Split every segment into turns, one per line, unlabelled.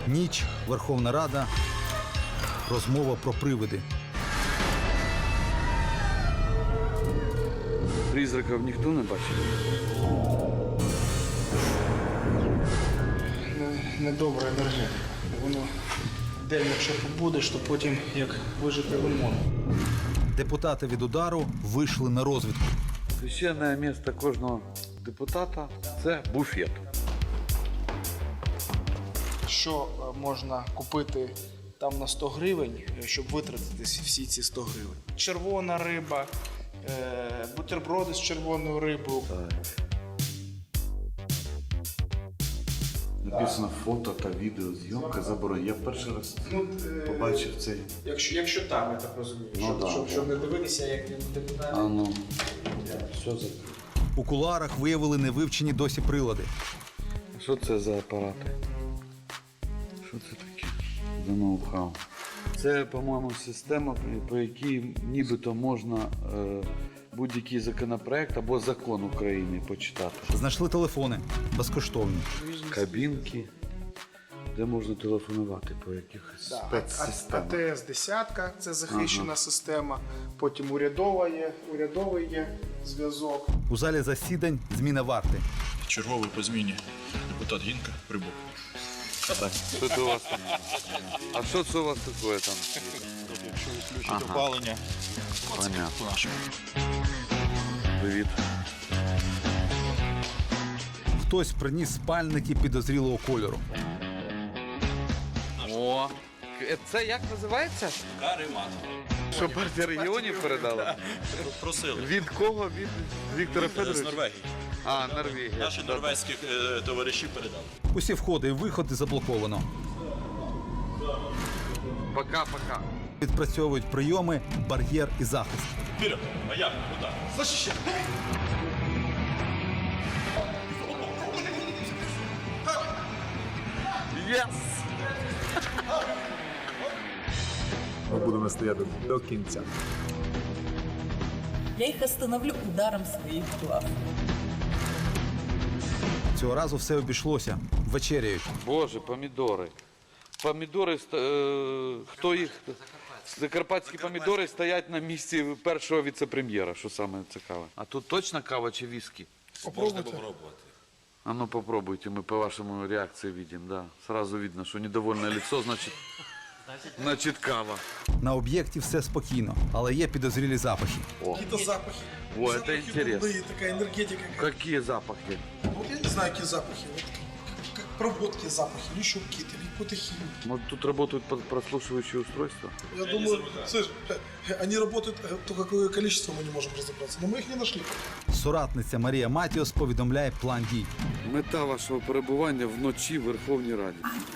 Ніч, Верховна Рада, розмова про привиди.
Призраків ніхто не бачив?
Недобра енергетика. Воно день, якщо побудеш, то потім як вижити лимон.
Депутати від удару вийшли на розвідку.
Священне місце кожного депутата – це буфет.
Що можна купити там на 100 гривень, щоб витратити всі ці 100 гривень? Червона риба, бутерброди з червоною рибою.
Написано фото та відеозйомка заборонена. Я перший раз побачив цей.
Якщо там, я так розумію, щоб не дивитися, як депутати.
А ну, що це?
У кулуарах виявили невивчені досі прилади.
Що це за апарати? Що це таке? За ноу-хау. Це, по-моєму, система, по якій нібито можна будь-який законопроект або закон України почитати.
Знайшли телефони безкоштовні.
Кабінки, де можна телефонувати по якихось спецсистемах.
АТС-10 – це захищена система, потім урядовий є зв'язок.
У залі засідань зміна варти.
Черговий по зміні депутат Гінка прибув.
Так, що це у вас там? А що це у вас таке там?
Якщо відключить опалення,
Понятно.
по-нашому.
Привіт.
Хтось приніс спальники підозрілого кольору.
О, це як називається?
Каремат.
Що партія регіонів передала?
Просили.
Від кого? Від Віктора
З
Федоровича?
Норвегії.
А, Норвегія.
Наші норвезькі товариші передали.
Усі входи і виходи заблоковано.
Пока-пока.
Відпрацьовують прийоми, бар'єр і захист.
Вперед! А як? Куди? Защищай!
Єс!
Ми будемо стояти до кінця.
Я их остановлю ударом своих глав.
Цього разу все обійшлося. Вечеряють.
Боже, помідори. Помідори, хто їх? Закарпатські помідори стоять на місці першого віце-прем'єра, що саме цікаве. А тут точно кава чи віскі?
Можна попробувати.
А ну попробуйте, мы по вашему реакции видим, да. Сразу видно, что недовольное лицо, значит кава.
На об'єкті все спокійно, але є підозрілі запахи.
Какие-то запахи.
О, это
Запахи
интересно.
дурные, такая энергетика.
Какие запахи?
Вот я не знаю, какие запахи. Вот как проводки запахи, или еще какие-то, или какой-то химии.
Может, тут работают прослушивающие устройства?
Я думаю, слышь, они работают, то какое количество мы не можем разобраться, но мы их не нашли.
Соратниця Марія Матіос повідомляє план дій.
Мета вашого перебування вночі в Верховній Раді.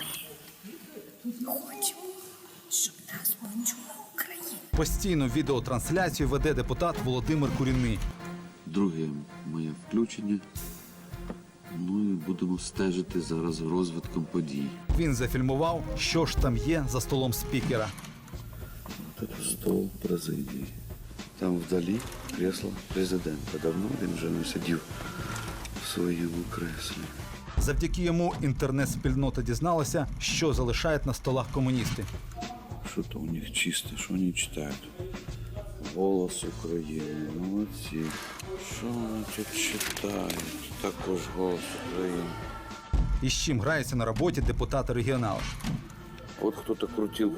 Хочемо, щоб нас почула Україна.
Постійну відеотрансляцію веде депутат Володимир Курінний.
Друге моє включення. Ну і будемо стежити зараз розвитком подій.
Він зафільмував, що ж там є за столом спікера.
Тут стол президії. Там вдалі кресло президента. Давно він вже не сидів в своєму креслі.
Завдяки йому інтернет-спільнота дізналася, що залишають на столах комуністи.
Що то у них чисте, що вони читають? Голос України. Молодці. Що вони тут читають? Також голос України.
І з чим граються на роботі депутати-регіонали.
Вот кто-то крутил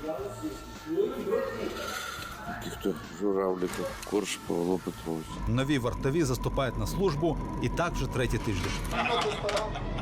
каких-то журавликов. Корж Павло Петрович.
Нові вартові заступають на службу і так вже третій тиждень.